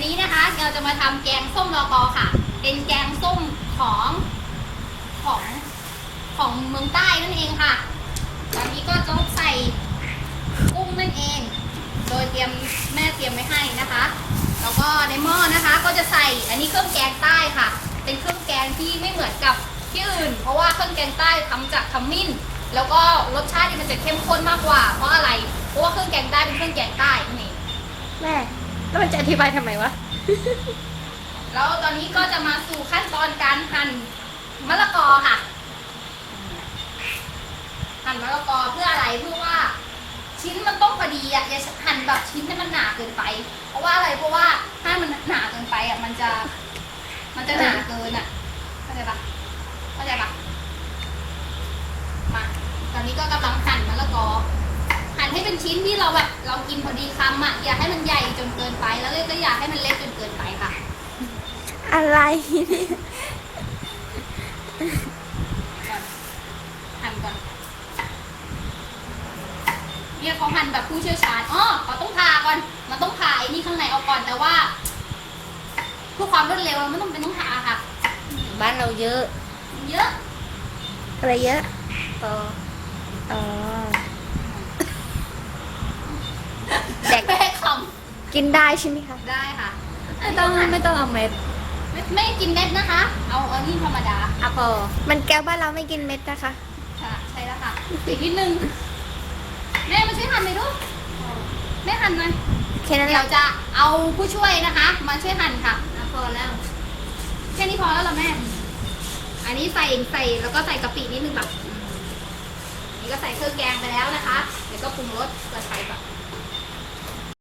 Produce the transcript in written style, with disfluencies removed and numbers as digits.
นี้นะคะเราจะมาทำแกงส้มลอกอค่ะ เป็นแกงส้มของของเมืองใต้นั่นเองค่ะ ตอนนี้ก็ต้องใส่กุ้งนั่นเอง โดยแม่เตรียมไว้ให้นะคะ แล้วก็ในหม้อนะคะก็จะใส่อันนี้เครื่องแกงใต้ค่ะ เป็นเครื่องแกงที่ไม่เหมือนกับที่อื่น เพราะว่าเครื่องแกงใต้ทำจากขมิ้น แล้วก็รสชาติมันจะเข้มข้นมากกว่า เพราะอะไร เพราะว่าเครื่องแกงใต้เป็นเครื่องแกงใต้นั่นเองแม่แล้วมันจะอธิบายทำไมวะแล้วตอนนี้ก็จะมาสู่ขั้นตอนการหั่นมะละกอค่ะ หั่นมะละกอเพื่ออะไรเพื่อว่าชิ้นมันต้องพอดีอ่ะอย่าหั่นแบบชิ้นให้มันหนาเกินไป เพราะว่าอะไรเพราะว่าถ้ามันหนาเกินไปอ่ะมันจะหนาเกินอ่ะเข้าใจปะมาตอนนี้ก็กำลังหั่นมะละกอหั่นให้เป็นชิ้นที่เรากินพอดีคำอ่ะอย่าให้มันใหญ่จนเกินไปแล้วก็อย่าให้มันเล็กจนเกินไปค่ะอะไรเนี่ยหั่นก่อนเนี่ยเขาหั่นแบบผู้เชี่ยวชาญเขาต้องผ่าก่อน มันต้องผ่าไอ้นี่ข้างในออกก่อน แต่ว่าเพื่อความรวดเร็วมันต้องผ่าค่ะบ้านเราเยอะเยอะอะไรเยอะอ๋อ แดกแม่คกินได้ใช่ไหมคะำได้ค่ะไม่ต้องเอาเม็ดไม่กินเม็ดนะคะ เอานี่ธรรมดาอ่ะพอมันแก้วบ้านเราไม่กินเม็ดนะคะค่ะใช่แล้วค่ะอีกนิดนึงแม่มาช่วยหั่นหน่อยลูกแม่หั่นหน่อยแค่นั้นแหเดี๋ยละวจะเอาผู้ช่วยนะคะ มาช่วยหั่นค่ะพอแล้วแค่นี้พอแล้วเหรอแม่ อันนี้ใส่แล้วก็ใส่กะปินิดนึงแบบนี่ก็ใส่เครื่องแกงไปแล้วนะคะ เดี๋ยวก็ปรุงรสกระชายก่อน